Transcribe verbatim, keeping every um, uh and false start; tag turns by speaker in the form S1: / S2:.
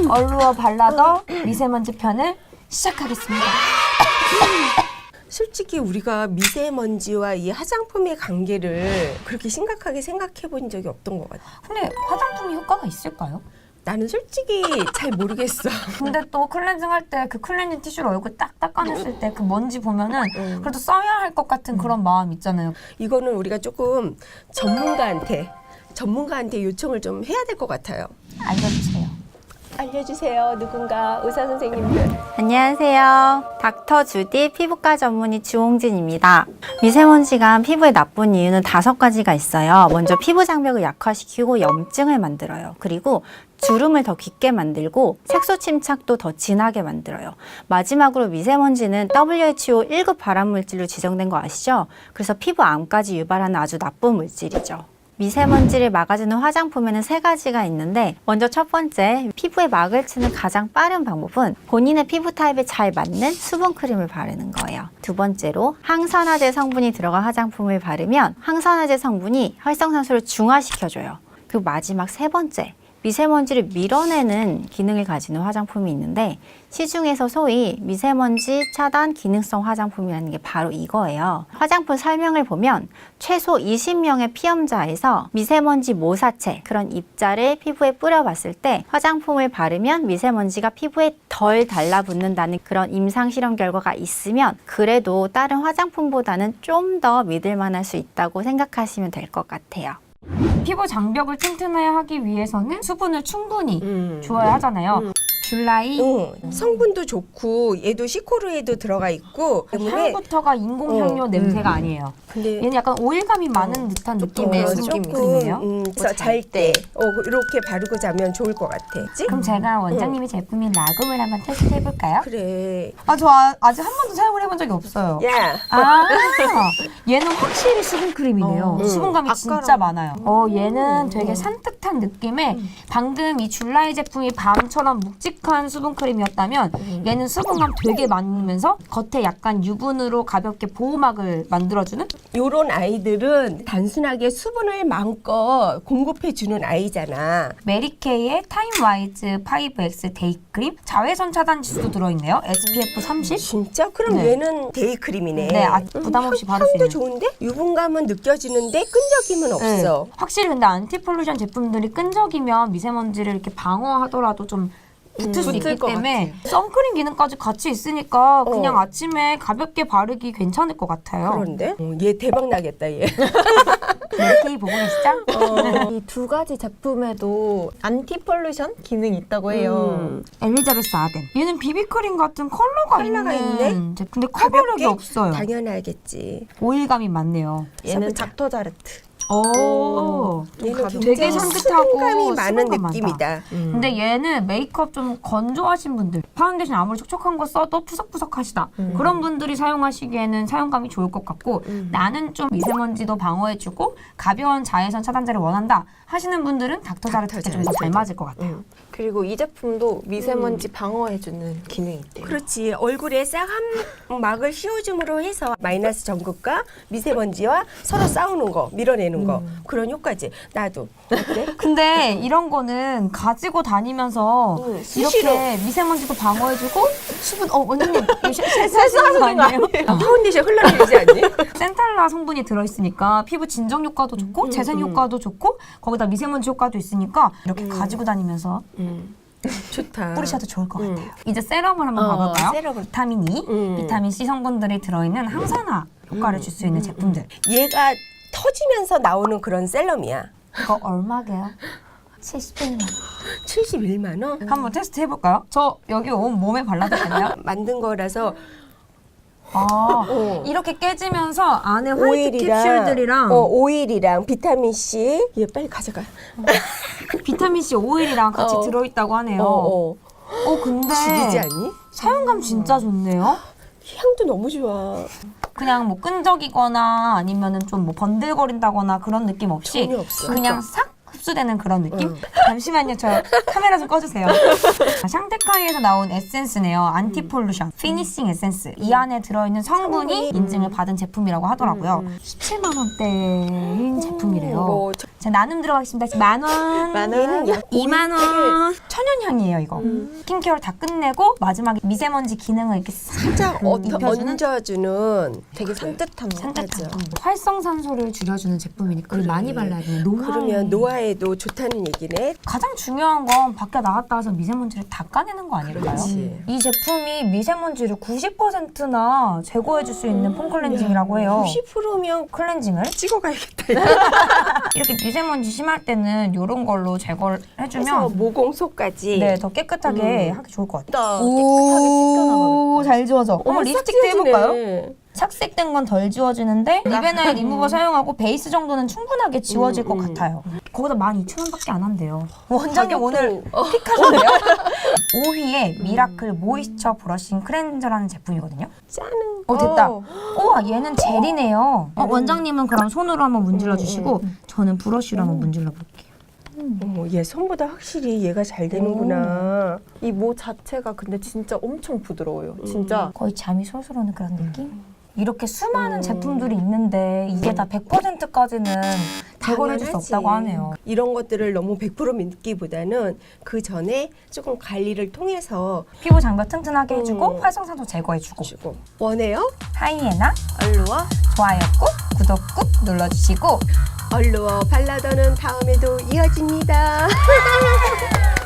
S1: 얼루어 발라더 미세먼지 편을 시작하겠습니다.
S2: 솔직히 우리가 미세먼지와 이 화장품의 관계를 그렇게 심각하게 생각해 본 적이 없던 것 같아.
S1: 근데 화장품이 효과가 있을까요?
S2: 나는 솔직히 잘 모르겠어.
S1: 근데 또 클렌징 할 때 그 클렌징 티슈로 얼굴 딱 닦아냈을 때 그 먼지 보면은
S2: 음.
S1: 그래도 써야 할 것 같은 그런 마음 있잖아요.
S2: 이거는 우리가 조금 전문가한테 전문가한테 요청을 좀 해야 될 것 같아요.
S1: 알려주세요.
S2: 알려주세요. 누군가 의사 선생님들.
S3: 안녕하세요. 닥터 주디 피부과 전문의 주홍진입니다. 미세먼지가 피부에 나쁜 이유는 다섯 가지가 있어요. 먼저 피부 장벽을 약화시키고 염증을 만들어요. 그리고 주름을 더 깊게 만들고 색소 침착도 더 진하게 만들어요. 마지막으로 미세먼지는 더블유에이치오 일 급 발암물질로 지정된 거 아시죠? 그래서 피부 암까지 유발하는 아주 나쁜 물질이죠. 미세먼지를 막아주는 화장품에는 세 가지가 있는데 먼저 첫 번째, 피부에 막을 치는 가장 빠른 방법은 본인의 피부 타입에 잘 맞는 수분크림을 바르는 거예요. 두 번째로, 항산화제 성분이 들어간 화장품을 바르면 항산화제 성분이 활성산소를 중화시켜줘요. 그리고 마지막 세 번째, 미세먼지를 밀어내는 기능을 가지는 화장품이 있는데 시중에서 소위 미세먼지 차단 기능성 화장품이라는 게 바로 이거예요. 화장품 설명을 보면 최소 이십 명의 피험자에서 미세먼지 모사체, 그런 입자를 피부에 뿌려봤을 때 화장품을 바르면 미세먼지가 피부에 덜 달라붙는다는 그런 임상 실험 결과가 있으면 그래도 다른 화장품보다는 좀 더 믿을 만할 수 있다고 생각하시면 될 것 같아요.
S1: 피부 장벽을 튼튼하게 하기 위해서는 수분을 충분히
S2: 음.
S1: 주어야 하잖아요.
S2: 음.
S1: 줄라이
S2: 응. 성분도 좋고 얘도 시코르에도 들어가 있고 때문에
S1: 향부터가 인공향료
S2: 어,
S1: 냄새가
S2: 음.
S1: 아니에요.
S2: 근데
S1: 얘는 약간 오일감이 많은 듯한 느낌의
S2: 어,
S1: 수분
S2: 조금
S1: 크림이에요.
S2: 음, 그래서 잘 때 어, 이렇게 바르고 자면 좋을 것 같아. 그치?
S1: 그럼 제가 원장님의 제품인 라굼을 한번 테스트 해볼까요?
S2: 그래.
S1: 아, 저 아, 아직 한 번도 사용을 해본 적이 없어요.
S2: 야.
S1: 아, 얘는 확실히 수분 크림이네요.
S2: 어.
S1: 수분감이
S2: 음.
S1: 진짜 많아요. 어, 얘는 되게 산뜻한 느낌에 방금 이 줄라이 제품이 밤처럼 묵직한 수분 크림이었다면 얘는 수분감 되게 많으면서 겉에 약간 유분으로 가볍게 보호막을 만들어주는?
S2: 요런 아이들은 단순하게 수분을 마음껏 공급해주는 아이잖아.
S1: 메리케이의 타임와이즈 파이브 엑스 데이크림 자외선 차단 지수도 들어있네요. 에스피에프 삼십.
S2: 진짜? 그럼
S1: 네.
S2: 얘는 데이크림이네.
S1: 네, 아, 부담 없이 바를 수
S2: 향도
S1: 있는.
S2: 좋은데? 유분감은 느껴지는데 끈적임은 없어.
S1: 네. 확실히 근데 안티폴루션 제품들이 끈적이면 미세먼지를 이렇게 방어하더라도 좀 붙을 수
S2: 음,
S1: 있기
S2: 붙을 것
S1: 때문에 선크림 기능까지 같이 있으니까 그냥
S2: 어.
S1: 아침에 가볍게 바르기 괜찮을 것 같아요.
S2: 그런데? 어, 얘 대박 나겠다, 얘.
S1: 메리케이 보고 계시죠?
S4: 이 두 가지 제품에도 안티폴루션 기능이 있다고 해요.
S2: 음.
S1: 엘리자베스 아덴. 얘는 비비크림 같은 컬러가,
S2: 컬러가
S1: 있는
S2: 있네?
S1: 제품. 근데 커버력이
S2: 가볍게?
S1: 없어요.
S2: 당연하겠지.
S1: 오일감이 많네요.
S4: 얘는 닥터자르트.
S1: 오,
S2: 얘는
S1: 되게
S2: 굉장히
S1: 산뜻하고
S2: 수분감이 많은
S1: 수분감 많다.
S2: 느낌이다. 음.
S1: 근데 얘는 메이크업 좀 건조하신 분들, 파운데이션 아무리 촉촉한 거 써도 푸석푸석하시다.
S2: 음.
S1: 그런 분들이 사용하시기에는 사용감이 좋을 것 같고
S2: 음.
S1: 나는 좀 미세먼지도 방어해주고 가벼운 자외선 차단제를 원한다 하시는 분들은 닥터자르트가 좀 더 잘 맞을 것 같아요.
S2: 음.
S4: 그리고 이 제품도 미세먼지 방어해주는 기능이 있대요.
S2: 그렇지. 얼굴에 싹 한 막을 씌워줌으로 해서 마이너스 전극과 미세먼지와 서로 싸우는 거, 밀어내는 거 그런 효과지. 나도. 어때?
S1: 근데 이런 거는 가지고 다니면서
S2: 응, 수시로.
S1: 이렇게 미세먼지도 방어해주고 수분, 어, 원장님, 이거 세- 세수하는 거 아니에요?
S2: 아, 파운데이션 흘러내리지 않니?
S1: 센탈라 성분이 들어있으니까 피부 진정 효과도 좋고 재생 효과도 좋고 거기다 미세먼지 효과도 있으니까 이렇게 가지고 다니면서
S2: 음. 좋다.
S1: 뿌리셔도 좋을 것
S2: 음.
S1: 같아요. 이제 세럼을 한번
S2: 어,
S1: 봐볼까요?
S2: 세럼을.
S1: 비타민 E,
S2: 음.
S1: 비타민 C 성분들이 들어있는 항산화 효과를 줄 수 있는 제품들.
S2: 얘가 터지면서 나오는 그런 셀럼이야.
S1: 이거 얼마게요? 칠십일만 원.
S2: 칠십일만 원?
S1: 한번 테스트 해볼까요? 저 여기 온 몸에 발라도 되나요?
S2: 만든 거라서
S1: 아,
S2: 어.
S1: 이렇게 깨지면서 안에 화이트
S2: 오일이랑
S1: 캡슐들이랑
S2: 어, 오일이랑 비타민 C 얘 빨리 가져가.
S1: 비타민 C 오일이랑 같이
S2: 어.
S1: 들어있다고 하네요.
S2: 어,
S1: 어,
S2: 어.
S1: 근데
S2: 죽이지 않니?
S1: 사용감 진짜 좋네요.
S2: 향도 너무 좋아.
S1: 그냥 뭐 끈적이거나 아니면은 좀 뭐 번들거린다거나 그런 느낌 없이
S2: 전혀 없어.
S1: 그냥 싹 흡수되는 그런 느낌?
S2: 응.
S1: 잠시만요. 저 카메라 좀 꺼주세요. 샹테카이에서 나온 에센스네요. 안티폴루션 피니싱 에센스. 이 안에 들어있는 성분이
S2: 성분이,
S1: 인증을
S2: 음.
S1: 받은 제품이라고 하더라고요. 십칠만 원대인 제품이래요.
S2: 뭐 저-
S1: 자, 나눔 들어가겠습니다. 만 원.
S4: 만 원.
S1: 이만 원. 천연향이에요, 이거.
S2: 음.
S1: 스킨케어를 다 끝내고 마지막에 미세먼지 기능을 이렇게
S2: 살짝
S1: 음,
S2: 어,
S1: 입혀주는?
S2: 얹어주는
S4: 되게 산뜻한 거.
S1: 산뜻한
S2: 맞아.
S1: 거. 활성산소를 줄여주는 제품이니까 그걸 많이 발라야 돼요. 노화.
S2: 그러면 노화에도 좋다는 얘기네.
S1: 가장 중요한 건 밖에 나갔다 와서 미세먼지를 다 까내는 거 아닐까요?
S2: 그렇지.
S1: 이 제품이 미세먼지를 구십 퍼센트나 제거해줄 수 있는 폼 클렌징이라고 해요.
S2: 구십 퍼센트면
S1: 클렌징을
S2: 찍어가야겠다.
S1: 이렇게 미세먼지 심할 때는 이런 걸로 제거를
S2: 그래서
S1: 해주면
S2: 모공소까지.
S1: 네, 더 깨끗하게
S2: 음.
S1: 하기 좋을 것 같아요.
S4: 나 깨끗하게 씻겨나가겠다.
S1: 잘 지워져. 어머,
S2: 어머,
S1: 립스틱도
S2: 싹
S1: 해볼까요?
S2: 지워지네.
S1: 착색된 건 덜 지워지는데 리베나의 리무버 사용하고 베이스 정도는 충분하게 지워질
S2: 음,
S1: 것
S2: 음.
S1: 같아요. 거기다 만 이천 원밖에 안 한대요. 원장님
S2: 가격도-
S1: 오늘
S2: 어.
S1: 픽하셨네요. 오 위에 미라클 모이스처 브러싱 클렌저라는 제품이거든요.
S2: 짜는.
S1: 어 됐다.
S4: 어.
S1: 우와 얘는 젤이네요. 어, 원장님은 그럼 손으로 한번 문질러 주시고 저는 브러쉬로 한번 문질러 볼게요.
S2: 어머, 얘 손보다 확실히 얘가 잘 되는구나.
S4: 이 모 자체가 근데 진짜 엄청 부드러워요. 진짜.
S1: 거의 잠이 솔솔 오는 그런 느낌? 이렇게 수많은 제품들이 있는데 이게 다 백 퍼센트까지는 제거를 해줄 수
S2: 당연하지.
S1: 없다고 하네요.
S2: 이런 것들을 너무 백 퍼센트 믿기보다는 그 전에 조금 관리를 통해서
S1: 피부 장벽 튼튼하게 해주고
S2: 음.
S1: 활성산소 제거해주고
S2: 주고. 원해요?
S1: 하이에나
S4: 알루와
S1: 좋아요 꾹 구독 꾹 눌러주시고
S2: 얼루어 발라더는 다음에도 이어집니다.